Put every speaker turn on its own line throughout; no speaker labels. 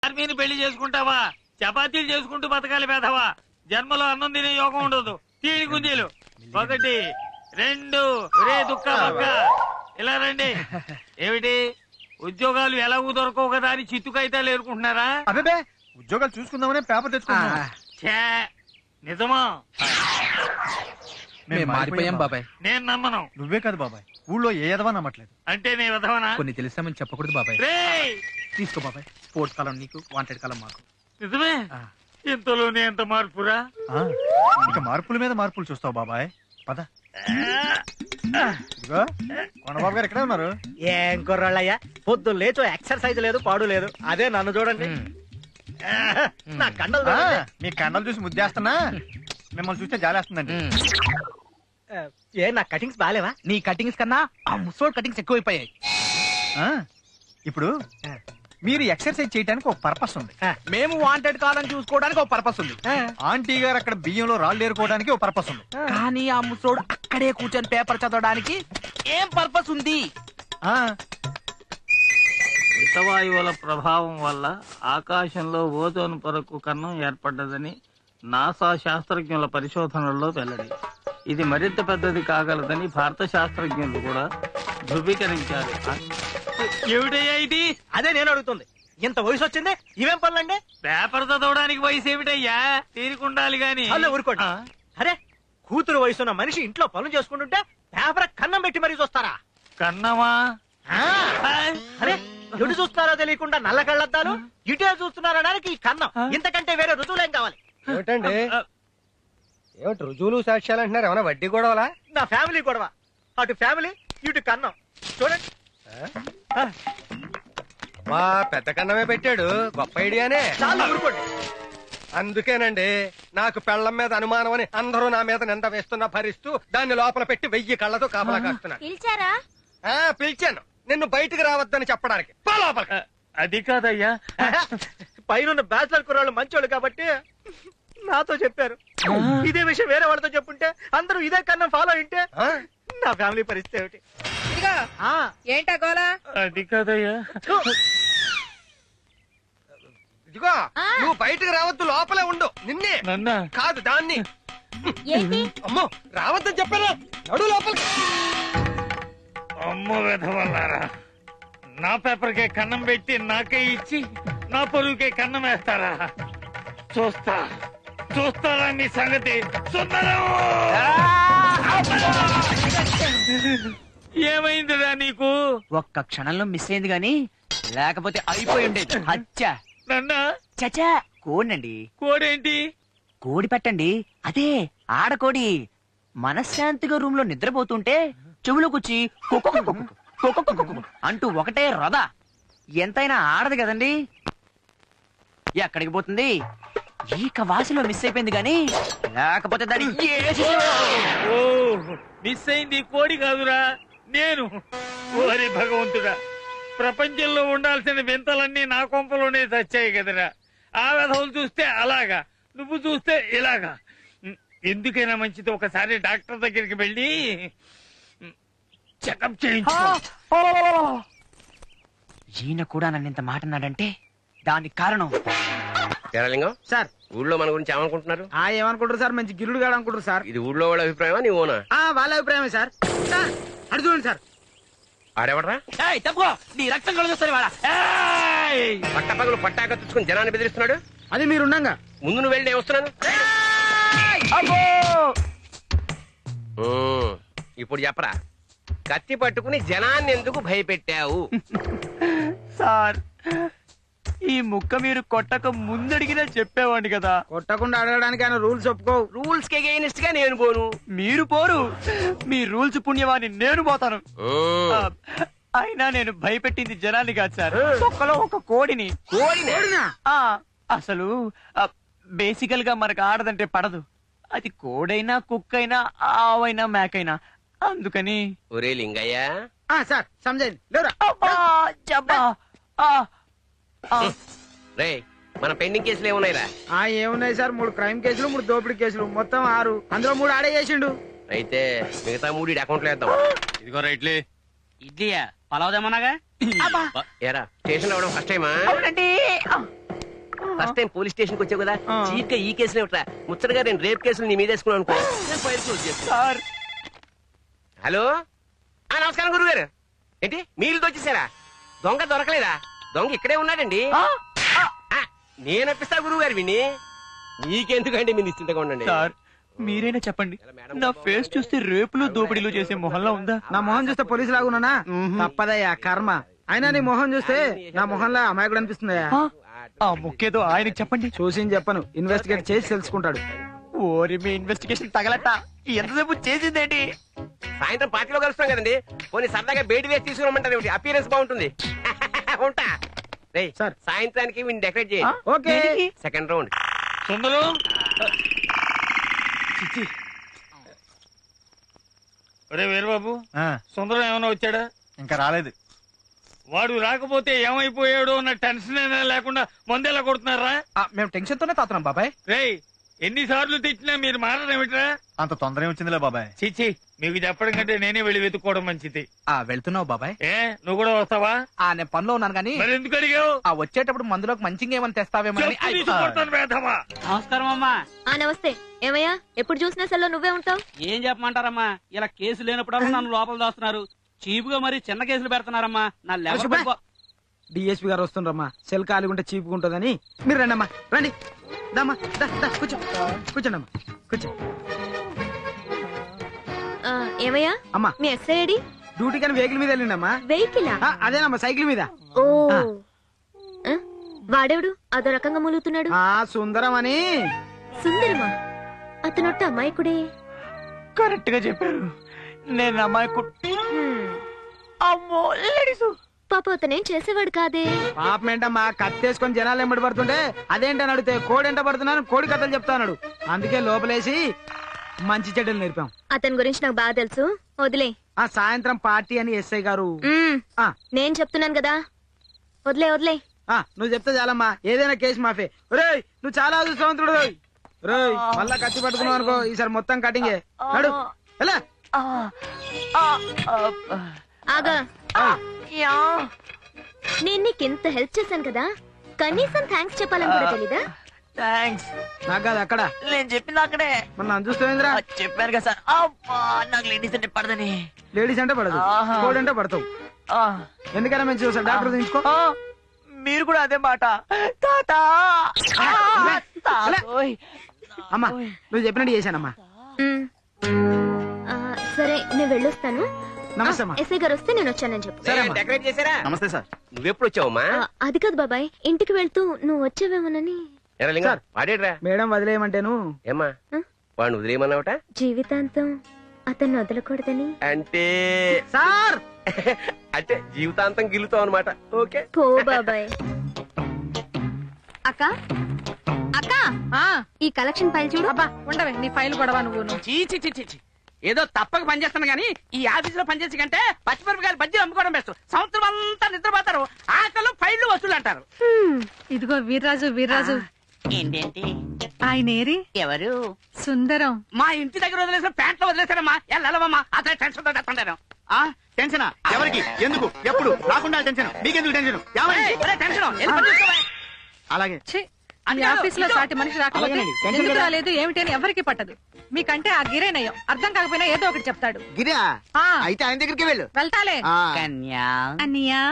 ఆర్మీని పెళ్లి చేసుకుంటావా? చపాతీలు చేసుకుంటూ బతకాలి పేదవా. జన్మలో అన్నం తినే యోగం ఉండదు. తీడి గుంజీలు 1 2 రే దుక్క బక్క ఇలా రండి. ఏమిటి ఉద్యోగాలు ఎలాగూ దొరకవు కదా అని చిత్తుకైతే లేరుకుంటున్నారా?
అదే ఉద్యోగాలు చూసుకుందామనే పేపర్ తెచ్చుకున్నా.
నిజమా?
మారిపోయాం బాబాయ్.
నేను నమ్మను.
నువ్వే కాదు బాబాయ్, ఊళ్ళో ఏ ఎదవా నమ్మట్లేదు.
అంటే నీ విధవనా?
కొన్ని తెలిసామని చెప్పకూడదు బాబాయ్.
రేయ్
తీసుకో బాబాయ్. స్పోర్ట్స్ కాలం నీకు, వాంటెడ్ కాలం మాకు.
నిజమే? ఇంతలోనే ఎంత మార్పురా?
ఇక మార్పుల మీద మార్పులు చూస్తావు బాబాయ్. పద. ఇదిగో కొండబాబు గారు ఎక్కడే ఉన్నారు?
ఏం కుర్రాళ్ళయ్యా, పొద్దు లేచో ఎక్సర్సైజ్ లేదు, పాడు లేదు. అదే నన్ను చూడండి. నా కండలు చూడండి.
మీ కండలు చూసి ముద్దేస్తున్నా, మిమ్మల్ని చూస్తే జాలేస్తుందండి.
ఏ నా కటింగ్స్ బాగాలేవా?
నీ కటింగ్స్ కన్నా ఆ ముసోడ్ కటింగ్స్ ఎక్కువైపోయాయి.
ఇప్పుడు మీరు ఎక్సర్సైజ్ చేయడానికి ఒక పర్పస్ ఉంది.
మేము వాంటెడ్ కాలం చూసుకోవడానికి ఒక పర్పస్ ఉంది.
ఆంటీ గారు అక్కడ బియ్యంలో రాళ్ళు ఏరుకోవడానికి ఒక పర్పస్ ఉంది.
కానీ ఆ ముసోడు అక్కడే కూర్చొని పేపర్ చదవడానికి ఏం పర్పస్ ఉంది?
హితవాయువుల ప్రభావం వల్ల ఆకాశంలో ఓజోన్ పొరకు కన్నం ఏర్పడ్డదని నాసా శాస్త్రజ్ఞుల పరిశోధనల్లో వెల్లడి. ఇది మరింత పెద్దది కాగలదని భారత శాస్త్రజ్ఞులు కూడా ధృవీకరించారు. ఏమిటయ్యా ఇది?
అదే నేను అడుగుతుంది. ఇంత వయసు వచ్చింది, ఇవేం పనులండి?
పేపర్ చదవడానికి వయసు ఏమిటయ్యా? తీరుకుండాలి గాని.
అల్లే ఊరుకోండి. అరే, కూతురు వయసున్న మనిషి ఇంట్లో పనులు చేసుకుంటుంటే పేపర్ కన్నం పెట్టి మరీ చూస్తారా?
కన్నమా?
అరే, ఎటు చూస్తున్నారో తెలియకుండా నల్ల కళ్ళద్దాలు, ఇటే చూస్తున్నారనడానికి ఈ కన్నం. ఇంతకంటే వేరే రుజువులేం కావాలి?
ఏమిటండి, ఏమిటి రుజువులు సాక్ష్యాలు అంటున్నారు? ఏమన్నా వడ్డీ గొడవలా?
నా ఫ్యామిలీ గొడవ. అటు ఫ్యామిలీ, ఇటు కన్నం. చూడండి.
మా పెద్ద కన్నమే పెట్టాడు, గొప్ప ఐడియానే.
చాలా ఊరుకోండి.
అందుకేనండి నాకు పెళ్లం మీద అనుమానం అని అందరూ నా మీద నింద వేస్తున్నా భరిస్తూ దాన్ని లోపల పెట్టి 1000 కళ్ళతో కాపలా కాస్తున్నాను.
పిలిచారా?
పిలిచాను, నిన్ను బయటికి రావద్దని చెప్పడానికి. పో లోపలికి.
అది కాదయ్యా,
పైన బ్యాచిలర్ కుర్రాళ్ళు మంచోళ్ళు కాబట్టి నాతో చెప్పారు. ఇదే విషయం వేరే వాళ్ళతో చెప్పుంటే అందరూ ఇదే కన్నా ఫాలో అయింటే నా ఫ్యామిలీ పరిస్థితి ఏమిటి?
ఏంటా గోలా?
అది కాదయ్యా.
ఇదిగో నువ్వు బయటికి రావద్దు, లోపలే ఉండు. నిన్నే
నన్నా
కాదు, దాన్ని.
ఏంటి?
అమ్మో, రావద్దని చెప్పాను. నడు లోపలికి.
అమ్మో వెధవల్లారా, నా పేపర్కే కన్నం పెట్టి నాకే ఇచ్చి నా పొరుగుకే కన్నం వేస్తారా? చూస్తారా మీ సంగతి? ఏమైందిరా నీకు?
ఒక్క క్షణంలో మిస్ అయింది గాని లేకపోతే అయిపోయి ఉండేది. అచ్చా
నన్నా
చచా కోడండి.
కోడేంటి?
కోడి పెట్టండి, అదే ఆడకోడి. మనశ్శాంతిగా రూమ్ లో నిద్రపోతుంటే చెవులోకొచ్చి అంటూ ఒకటే రథ. ఎంతైనా ఆడదు కదండి. ఎక్కడికి పోతుంది? ఈక వాసిలో మిస్ అయిపోయింది గాని లేకపోతే దాని
ఓ మిస్ అయింది కోడి కాదురా, నేను. ఓరి భగవంతుడా, ప్రపంచంలో ఉండాల్సిన వింతలన్నీ నా కొంపలోనే చచ్చాయి కదరా. ఆ వెధవులు చూస్తే అలాగా, నువ్వు చూస్తే ఇలాగా. ఎందుకైనా మంచిది ఒకసారి డాక్టర్ దగ్గరికి వెళ్ళి చెకప్ చేయించు.
ఈయన కూడా నన్ను ఇంత మాట అన్నాడంటే దానికి కారణం
తెరలింగం
సార్,
ఊళ్ళో మన గురించి ఏమనుకుంటున్నారు?
ఏమనుకుంటారు సార్? మంచి గిరుడు గాడు అనుకుంటారు సార్.
ఇది ఊళ్ళో వాళ్ళ అభిప్రాయమా నీ ఓనా?
వాళ్ళ అభిప్రాయమే సార్. అడు చూడండి సార్.
ఆడెవడరా?
తప్పుకో, నీ రక్తం కలుగుతుంది వాడా.
పట్టపగలు పట్టాక తెచ్చుకుని జనాన్ని బెదిరిస్తున్నాడు.
అది మీరుండగా
ముందు నువ్వు వెళ్ళి నేను వస్తున్నాను. ఇప్పుడు చెప్పరా, కత్తి పట్టుకుని జనాన్ని ఎందుకు భయపెట్టావు?
సార్, ఈ ముక్క మీరు కొట్టక ముందడిగినా చెప్పేవాడిని కదా.
కొట్టకుండా అడగడానికి ఆయన రూల్స్ ఒప్పుకోవు.
రూల్స్ కి అగైనెస్ట్ గా నేను పోను.
మీరు పోరు, మీ రూల్స్ పుణ్యవాన్ని నేను పోతాను. అయినా నేను భయపెట్టింది జనాన్ని కాదు సార్, ఒక్కలో ఒక కోడిని. అసలు బేసికల్ గా మనకు ఆడదంటే పడదు. అది కోడైనా కుక్కైనా ఆవైనా మేకైనా. అందుకని
ఒరే లింగయ్య
సార్ సమజైంది.
రే, మన పెండింగ్ కేసులు ఏమున్నాయిరా?
ఏమున్నాయి సార్? 3 క్రైమ్ కేసులు, 3 దోపిడీ కేసులు, మొత్తం 6. అందులో 3 ఆడే చేసిండు.
అయితే మిగతా 3 అకౌంట్ లో వేద్దాం.
ఇదిగో రైట్లే.
ఇడ్లీయా పలావదేమన్నాగా.
ఏరా, స్టేషన్ లో ఫస్ట్ టైమా?
అవునండి.
ఫస్ట్ టైం పోలీస్ స్టేషన్ కి వచ్చావు కదా చీట్ గా ఈ కేసులో ఇట్రా ముచ్చటగా నేను రేప్ కేసులు నీ మీద వేసుకున్నాను అనుకో నేను ఫైల్ క్లోజ్ చేస్తాను. హలో నమస్కారం గురుగారు. ఏంటి మీరు వచ్చేసారా? దొంగ దొరకలేదా? దొంగ ఇక్కడే ఉన్నాడండి. నేను అప్పిస్తా గురువు గారు విని. నీకెందుకండి మీరు నిశ్చింతగా ఉండండి.
సార్ మీరైనా చెప్పండి, నా ఫేస్ చూస్తే రేపులు దోపిడీలు చేసే మొహంలో ఉందా?
నా మొహం చూస్తే పోలీసు లాగున్నానా? తప్పదయ్యా కర్మ. అయినా నీ మొహం చూస్తే నా మొహంలో అమాయకుడు అనిపిస్తుందయ్యా.
ఆ ముక్కేదో ఆయనకి చెప్పండి.
చూసి చెప్పను, ఇన్వెస్టిగేట్ చేసి తెలుసుకుంటాడు.
ఓరి మీ ఇన్వెస్టిగేషన్ తగలట. ఎంతసేపు చేసిందేంటి?
సాయంత్రం పార్టీలో కలుస్తాం కదండి. పోనీ సరదాగా బయట వేసి తీసుకురమ్మంటారు ఏమిటి? అపీరెన్స్ బాగుంటుంది. ఉంటా. రేయ్,
సార్.
సాయంత్రానికి వీడిని డెకరేట్ చేయండి.
ఓకే.
Second round.
సుందరం ఒరే వీరబాబు, సుందరం ఏమైనా వచ్చాడా?
ఇంకా రాలేదు.
వాడు రాకపోతే ఏమైపోయాడు అన్న టెన్షన్ అయినా లేకుండా మందేలా కొడుతున్నారా?
మేము టెన్షన్ తోనే తాతున్నాం బాబాయ్.
రేయ్, ఎన్నిసార్లు తెచ్చినా మీరు మారడమేమిట్రా?
అంత తొందర వచ్చిందిలే బాబాయ్.
చిచ్చి, మీకు చెప్పడం కంటే నేనే వెళ్ళి వెతుక్కోవడం మంచిది.
వెళ్తున్నావు బాబాయ్?
ఏ, నువ్వు కూడా వస్తావా?
నేను పనిలో ఉన్నాను కానీ
మరి ఎందుకు అడిగావు?
వచ్చేటప్పుడు మందులోకి మంచిగా ఏమైనా తెస్తావేమో.
చెప్పు తీసుకొడతాను వేధవా.
నమస్కారం అమ్మా.
నమస్తే. ఏమయ్యా, ఎప్పుడు చూసినా సెల్లో నువ్వే ఉంటావు?
ఏం చెప్పమంటారమ్మా, ఇలా కేసు లేనప్పుడల్లా నన్ను లోపల దాస్తున్నారు. చీపుగా మరి చిన్న కేసులు పెడుతున్నారమ్మా. నా లెవెల్
డిఎస్పీ గారు వస్తుండ్రమ్మా. సెల్ ఖాళీగా చీపుకుంటుందని. మీరు రండి అమ్మా, రండి. దమ్మా, కూర్చో. కూర్చోండి అమ్మా, కూర్చో.
ఏమయ్యా,
అమ్మా
మీ ఎస్ఐ ఐడి?
డ్యూటీ కానీ వెహికల్ మీద వెళ్ళిండమ్మా.
వెహికలా?
అదేనమ్మా, సైకిల్ మీద.
ఓ, వాడేవుడు అదో రకంగా మూలుగుతున్నాడు?
సుందరం అని.
సుందరమా? అతనొట్ట అమాయకుడే.
కరెక్ట్ గా చెప్పారు. నేను అమ్మాయి అమ్మో లేడీసు.
పాప అతనేం చేసేవాడు కాదే.
పాపం ఏంటమ్మా, కత్తేసుకొని జనాలు ఎంబడి పడుతుంటే అదేంటని అడిగితే కోడి ఎంట పడుతున్నాను, కోడి కథలు చెప్తాడు. అందుకే లోపలేసి మంచి చెడ్డలు నేర్పాం.
అతని గురించి నాకు బాగా తెలుసు, వదిలే.
సాయంత్రం పార్టీ అని ఎస్ఐ గారు.
నేను చెప్తున్నాను కదా, వదిలే వదిలే.
నువ్వు చెప్తే చాలమ్మా, ఏదైనా కేసు మాఫీ. రేయ్, నువ్వు చాలా అదృష్టవంతుడు. రేయ్, మళ్ళా కత్తి పట్టుకున్నావు అనుకో, ఈసారి మొత్తం కటింగే. నడు ఎలా.
ఆగా, నేను నీకు ఇంత హెల్ప్ చేశాను కదా, కనీసం థ్యాంక్స్ చెప్పాలని కూడా తెలీదా?
థ్యాంక్స్.
నాకు కాదు అక్కడ,
నేను చెప్పింది అక్కడే.
మరి నన్ను చూస్తావేంద్రా?
చెప్పాను కదా సార్. అబ్బా, నాకు లేడీస్ అంటే పడదని.
లేడీస్ అంటే పడదు, కోడి అంటే పడతావు. ఎందుకైనా మంచి చూసా, డాక్టర్ తీసుకో.
మీరు కూడా అదే మాట. తాత
అమ్మా, నువ్వు చెప్పినట్టు చేశానమ్మా.
సరే, నేను వెళ్ళొస్తాను.
నమస్తే అమ్మా.
ఎస్ఐ గారు వస్తే నేను వచ్చానని చెప్పు.
డెకరేట్ చేశారా?
నమస్తే సార్.
నువ్వెప్పుడు వచ్చావమ్మా?
అది కాదు బాబాయ్, ఇంటికి వెళ్తూ నువ్వు వచ్చావేమోనని.
వాడేడ్రా
మేడం వదిలేయమంటేను.
ఏమ్మా వాడిని వదిలేయమన్నావట?
జీవితాంతం అతన్ని వదలకూడదని.
అంటే
సార్
అంటే జీవితాంతం గిల్లుతావు అనమాట. ఓకే
పో బాబాయ్.
అక్క అక్క, ఈ కలెక్షన్ ఫైల్ చూడు.
అబ్బా ఉండవే, నీ ఫైల్ గొడవ నువ్వు.
చీచి ఏదో తప్పక పనిచేస్తాను గానీ ఈ ఆఫీస్ లో పనిచేసి కంటే పచ్చిమిరపకాయలు బజ్జీలు అమ్ముకోవడం బెస్ట్. సంవత్సరం అంతా నిద్రపోతారు, ఆకలు ఫైళ్లు వసూలు అంటారు.
ఇదిగో వీర్రాజు
ఏంటేంటి?
ఆయనేరి
ఎవరు?
సుందరం.
మా ఇంటి దగ్గర వదిలేసిన ప్యాంట్లో వదిలేసారమ్మా. వెళ్ళమ్మా, అతను టెన్షన్ తో చెప్తాను.
టెన్షన్ ఎవరికి, ఎందుకు, ఎప్పుడు రాకుండా టెన్షన్ మీకెందుకు టెన్షన్?
టెన్షన్
అలాగే
ఈ ఆఫీస్ లో సాటి మనిషి రాకపోతే
అలాగేనండి, టెన్షన్
ఎందుకు
కదా.
రాలేదు ఏమిటని ఎవరికి పట్టదు. మీకంటే ఆ గిరేనయ్యం అర్థం కాకపోయినా ఏదో ఒకటి చెప్తాడు.
గిరా
ఆ,
అయితే ఆయన దగ్గరికి వెళ్ళు.
వెళ్తాలే.
కన్యా.
అన్నయ్యా,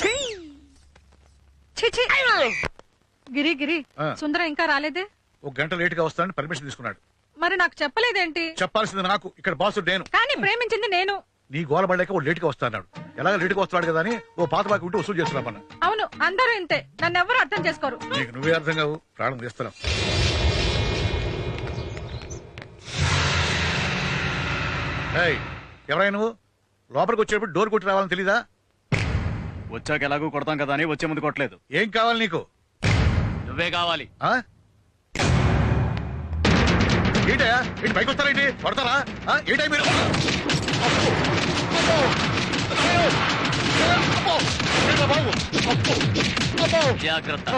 ఛీ, ఛీ. గిరి సుందరం ఇంకా రాలేదే?
ఒక గంట లేట్ గా వస్తానని పర్మిషన్ తీసుకున్నాడు.
మరి నాకు చెప్పలేదేంటి?
చెప్పాల్సింది నాకు, ఇక్కడ బాసు నేను.
కానీ ప్రేమించింది నేను.
నీ గోల పడలేక ఓ లేట్ గా వస్తాడు. ఎలాగ లేట్ గా వస్తాడు కదా అని ఓ పాత బాకి ఉంటే వసూలు చేస్తున్నామన్న.
అవును, అందరూ ఇంతే, నన్ను ఎవరు అర్థం చేసుకోరు.
నీకు నువ్వే అర్థం కావు, ప్రాణం తీస్తున్నావు. ఎవరైనా నువ్వు లోపలికి వచ్చేటప్పుడు డోర్ కొట్టి రావాలని తెలీదా?
వచ్చాక ఎలాగూ కొడతాం కదా అని వచ్చే ముందు కొట్టలేదు.
ఏం కావాలి నీకు?
నువ్వే కావాలి.
ఏంటయా, ఏంటి పైకి వస్తారేంటి? కొడతారా? ఏంటై మీరు?
జాగ్రత్త.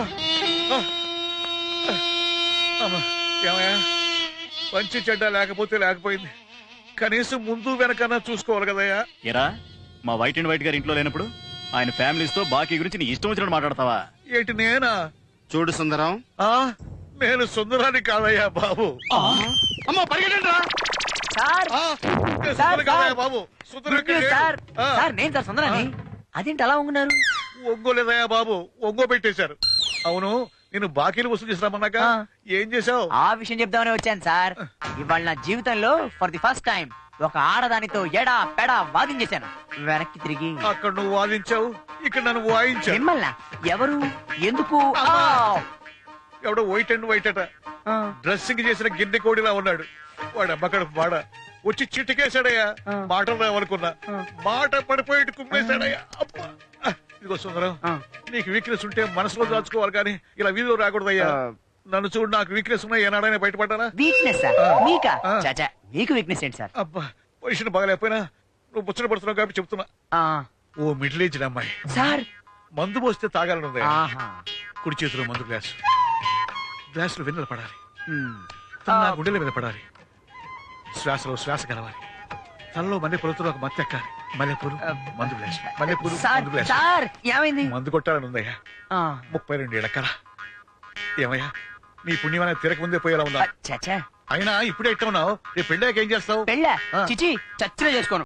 ఏమయ్యా, మంచి చెడ్డ లేకపోయింది, కనీసం ముందు వెనకన్నా చూసుకోవాలి కదయ్యా.
ఎరా, మా వైట్ అండ్ వైట్ గారి ఇంట్లో లేనప్పుడు ఆయన ఫ్యామిలీస్ తో బాకీ గురించి నీ ఇష్టం వచ్చినట్టు మాట్లాడతావా?
ఏంటి నేనా?
చూడు సుందరం,
నేను సుందరాన్ని కాదయ్యా బాబు.
అమ్మో పరిగెట్టండి రా.
సార్
నేను
సార్,
సుందరం కాదయ్యా
సార్.
బాబు. Sundaram
good news sir. Sir నేను సార్ సుందరాన్ని. అదేంటి అలా ఉంటున్నారు?
ఒంగోలేదయ్యా బాబు, ఒంగో పెట్టేశారు. అవును, నేను బాకీలు వసూలు చేసినామన్నాక ఏం చేశావు?
ఆ విషయం చెప్దామని వచ్చాను సార్. ఇవాళ నా జీవితంలో ఫర్ ది ఫస్ట్ టైం ఒక ఆడదానితో ఎడా పెడా వాదించేశాను. వెనక్కి తిరిగి
అక్కడ నువ్వు వాదించావు, ఇక్కడ నన్ను వాయించావు.
మిమ్మల్ని ఎవరు ఎందుకు
ఎవడో వైట్ అండ్ వైట్ అట, డ్రెస్సింగ్ చేసిన గిన్నె కోడిలా ఉన్నాడు. వాడు అమ్మకడ వాడ వచ్చి చిటికేశాడయ్యా. మాటలు రావనుకున్నా, మాట పడిపోయి కుమ్మేశాడయ్యా. అబ్బా! ఇదిగో సుందరం, నీకు వీక్నెస్ ఉంటే మనసులో దాచుకోవాలి కానీ ఇలా వీధిలో రాకూడదయ్యా. నన్ను చూడు, నాకు వీక్నెస్ ఉన్నా ఏనాడైనా బయటపడ్డానా?
వీక్నెస్ మీకా? చాచా మీకు వీక్నెస్ ఏంటి సార్?
అబ్బా, పొజిషన్ బాగలేకపోయినా నువ్వు ముచ్చట పడుతున్నావు కాబట్టి చెప్తున్నా. ఓ మిడిల్ ఏజ్డ్ అమ్మాయి
సార్
మందు పోస్తే తాగాలనుంది.
ఆహా.
కుడి చేతిలో మందు గ్లాసు, గ్లాసులో వెన్నెల పడాలి, తన గుండెల మీద పడాలి, శ్వాసలో శ్వాస కలవాలి, తనలో మల్లెపూలతో ఒక మత్తు ఎక్కాలి. మల్లెపూలు మందు గ్లాసు, మల్లెపూలు మందు గ్లాసు.
సార్ ఏమైంది?
మందు కొట్టాలని ఉందయ్యా. 32 ఏళ్ల కల. ఏమయ్యా, నీ పుణ్యమైన తిరక ముందే పోయేలా ఉందా?
చాచా
అయినా ఇప్పుడే ఎట్లా ఉన్నావు? రేపు పెళ్ళాక ఏం చేస్తావు?
పెళ్ళ చిచి చచ్చిన చేసుకోను.